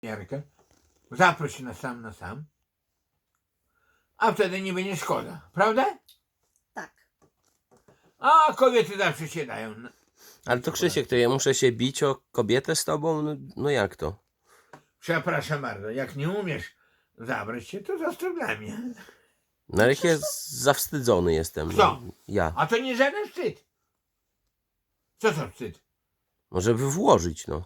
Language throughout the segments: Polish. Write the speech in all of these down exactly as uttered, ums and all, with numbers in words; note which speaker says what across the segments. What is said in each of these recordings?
Speaker 1: Jarkę, zaproś na sam na sam, a wtedy nie będzie szkoda, prawda?
Speaker 2: Tak.
Speaker 1: A kobiety zawsze się dają.
Speaker 3: Ale to Krzysiek, to ja muszę się bić o kobietę z tobą? No, no jak to?
Speaker 1: Przepraszam bardzo, jak nie umiesz zabrać się, to zostaw dla mnie.
Speaker 3: No ale ja zawstydzony jestem.
Speaker 1: Kto?
Speaker 3: No, ja.
Speaker 1: A to nie żaden wstyd. Co to wstyd?
Speaker 3: No żeby włożyć, no.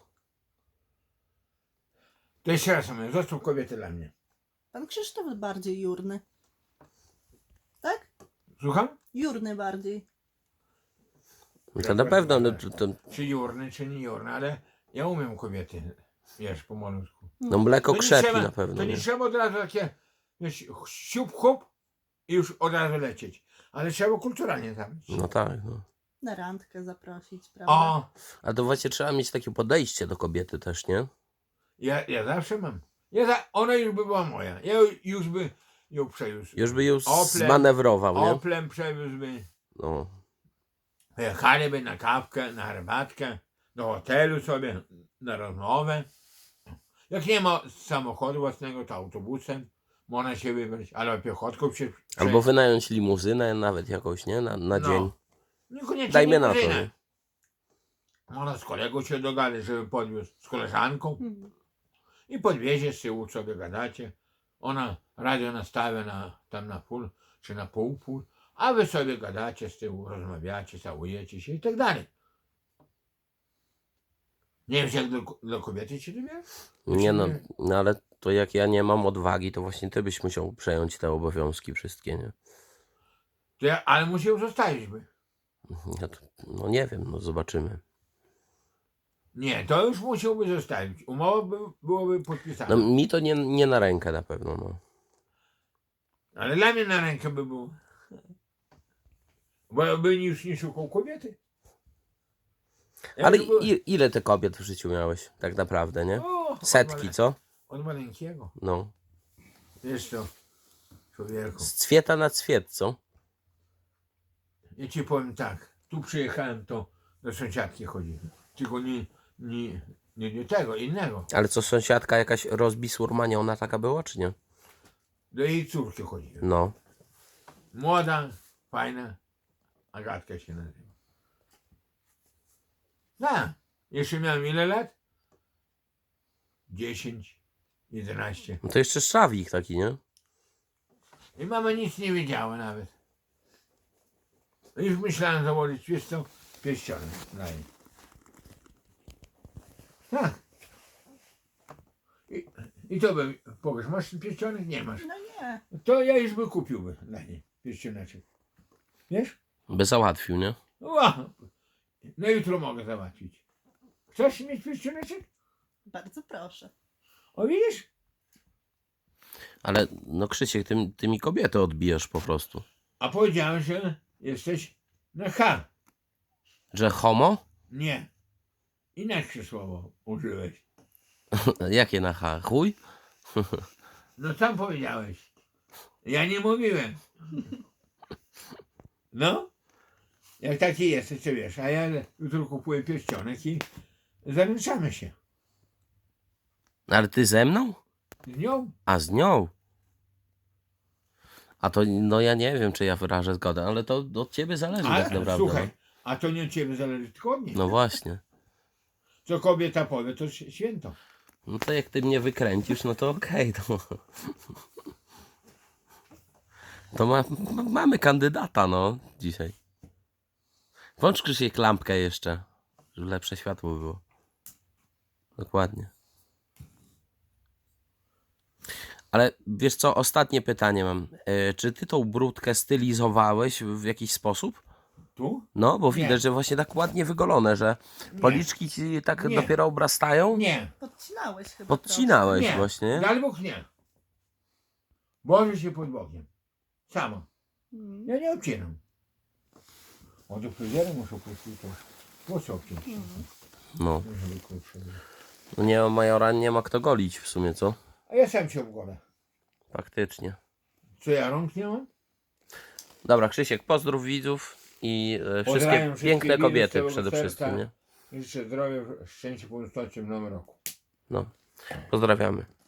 Speaker 1: To jeszcze raz mówię, zostaw kobietę dla mnie.
Speaker 2: Pan Krzysztof bardziej jurny. Tak?
Speaker 1: Słucham?
Speaker 2: Jurny bardziej.
Speaker 3: No to na pewno, no, to, to,
Speaker 1: Czy jurny, czy nie jurny, ale ja umiem kobiety, wiesz, po malutku.
Speaker 3: no mleko
Speaker 1: To nie
Speaker 3: krzepi
Speaker 1: trzeba-
Speaker 3: na pewno.
Speaker 1: To nie
Speaker 3: Nie?
Speaker 1: trzeba od razu takie, wiesz, siup, chop i już od razu lecieć. Ale trzeba kulturalnie zabrać.
Speaker 3: No tak, no.
Speaker 2: Na randkę zaprosić, prawda?
Speaker 1: O,
Speaker 3: A to właśnie trzeba mieć takie podejście do kobiety też, nie?
Speaker 1: ja, ja zawsze mam. Ja za, ona już by była moja. Ja już by ją przewiózł.
Speaker 3: Już by ją
Speaker 1: Oplem,
Speaker 3: zmanewrował, nie?
Speaker 1: Oplem przewiózłby.
Speaker 3: No.
Speaker 1: Jechaliby na kawkę, na herbatkę, do hotelu sobie, na rozmowę. Jak nie ma samochodu własnego, to autobusem można się wybrać, albo piechotką się
Speaker 3: Albo wynająć limuzynę nawet jakąś, nie? Na, na
Speaker 1: No.
Speaker 3: dzień.
Speaker 1: Niekoniecznie
Speaker 3: Dajmy na to,
Speaker 1: limuzynę.
Speaker 3: nie?
Speaker 1: Można z kolegą się dogadać, żeby podwiózł, z koleżanką
Speaker 2: Mhm.
Speaker 1: i podwiezie z tyłu, sobie gadacie. Ona radio nastawia na, tam na full, czy na pół, pół, a wy sobie gadacie z tyłu, rozmawiacie, całujecie się i tak dalej. Nie wiesz, jak do, do kobiety się dobierasz?
Speaker 3: Nie no, no, ale to jak ja nie mam odwagi, to właśnie ty byś musiał przejąć te obowiązki wszystkie, nie?
Speaker 1: To ja, ale musi ją zostawić by.
Speaker 3: Ja to, no nie wiem, no zobaczymy.
Speaker 1: Nie, to już musiałby zostawić. Umowa by, byłaby podpisana.
Speaker 3: No mi to nie, nie na rękę na pewno, no.
Speaker 1: Ale dla mnie na rękę by było. Bo ja bym już nie szukał kobiety. Ja
Speaker 3: Ale
Speaker 1: bym był-
Speaker 3: i, ile ty kobiet w życiu miałeś, tak naprawdę, nie?
Speaker 1: O, od
Speaker 3: Setki,
Speaker 1: male-
Speaker 3: co?
Speaker 1: Od maleńkiego.
Speaker 3: No.
Speaker 1: Wiesz co, człowieku.
Speaker 3: Z cwieta na cwiet, co?
Speaker 1: Ja ci powiem tak. Tu przyjechałem, to do sąsiadki chodziłem. Tylko nie, nie, nie do tego, innego.
Speaker 3: Ale co, sąsiadka jakaś rozbisurmaniona taka była, czy nie?
Speaker 1: Do jej córki chodziłem.
Speaker 3: No.
Speaker 1: Młoda, fajna. Agatka się nazywa. Tak. Jeszcze miałem ile lat? Dziesięć, jedenaście.
Speaker 3: No to jeszcze szawik taki, nie?
Speaker 1: I mama nic nie wiedziała nawet. Już myślałem założyć, wiesz co, pierścionek na niej. Tak. I, I to by, powiesz, masz ten pierścionek? Nie masz.
Speaker 2: No nie.
Speaker 1: To ja już by kupiłby dla niej pierścioneczek. Wiesz?
Speaker 3: By załatwił, nie?
Speaker 1: Ła, no jutro mogę załatwić. Chcesz mieć pierścioneczek?
Speaker 2: Bardzo proszę.
Speaker 1: O widzisz?
Speaker 3: Ale no Krzysiek, ty, ty mi kobietę odbijasz po prostu.
Speaker 1: A powiedziałem, że jesteś na H.
Speaker 3: Że homo?
Speaker 1: Nie. Inaczej słowo użyłeś.
Speaker 3: Jakie na H? Chuj?
Speaker 1: No sam powiedziałeś. Ja nie mówiłem. No. Jak taki jesteś, to wiesz. A ja jutro kupuję pierścionek i zaręczamy się.
Speaker 3: Ale ty ze mną?
Speaker 1: Z nią.
Speaker 3: A z nią? A to, no ja nie wiem, czy ja wyrażę zgodę, ale to od ciebie zależy
Speaker 1: A,
Speaker 3: tak naprawdę.
Speaker 1: słuchaj, a to nie od ciebie zależy, tylko od niej.
Speaker 3: No. no właśnie.
Speaker 1: Co kobieta powie, to święto.
Speaker 3: No to jak ty mnie wykręcisz, no to okej, to... To ma, ma, mamy kandydata, no, dzisiaj. Włącz Krzysiek lampkę jeszcze, żeby lepsze światło było. Dokładnie. Ale wiesz co, ostatnie pytanie mam. E, czy ty tą brudkę stylizowałeś w jakiś sposób?
Speaker 1: Tu?
Speaker 3: No, bo
Speaker 1: Nie.
Speaker 3: widać, że właśnie tak ładnie wygolone, że
Speaker 1: Nie.
Speaker 3: policzki ci tak
Speaker 1: Nie.
Speaker 3: dopiero obrastają.
Speaker 1: Nie.
Speaker 2: Podcinałeś chyba
Speaker 3: Podcinałeś
Speaker 1: Nie.
Speaker 3: właśnie.
Speaker 1: Dal Bóg nie. Boże się pod Bogiem. Samo.
Speaker 2: trochę. Mm.
Speaker 1: Ja nie obcinam. O, do fryzjera muszę pójść, to włosy obciąć.
Speaker 3: No.
Speaker 1: Żeby krótsze były.
Speaker 3: No nie ma majora, nie ma kto golić w sumie, co?
Speaker 1: A ja sam się obgolę.
Speaker 3: Faktycznie.
Speaker 1: Co ja rąk nie mam?
Speaker 3: Dobra, Krzysiek, pozdrów widzów i e,
Speaker 1: Pozdrawiam
Speaker 3: wszystkie
Speaker 1: wszystkich
Speaker 3: piękne
Speaker 1: widzów
Speaker 3: kobiety
Speaker 1: całego
Speaker 3: przede
Speaker 1: serca.
Speaker 3: wszystkim, nie?
Speaker 1: Życzę zdrowia, szczęścia, pomysłu w nowym roku.
Speaker 3: No. Pozdrawiamy.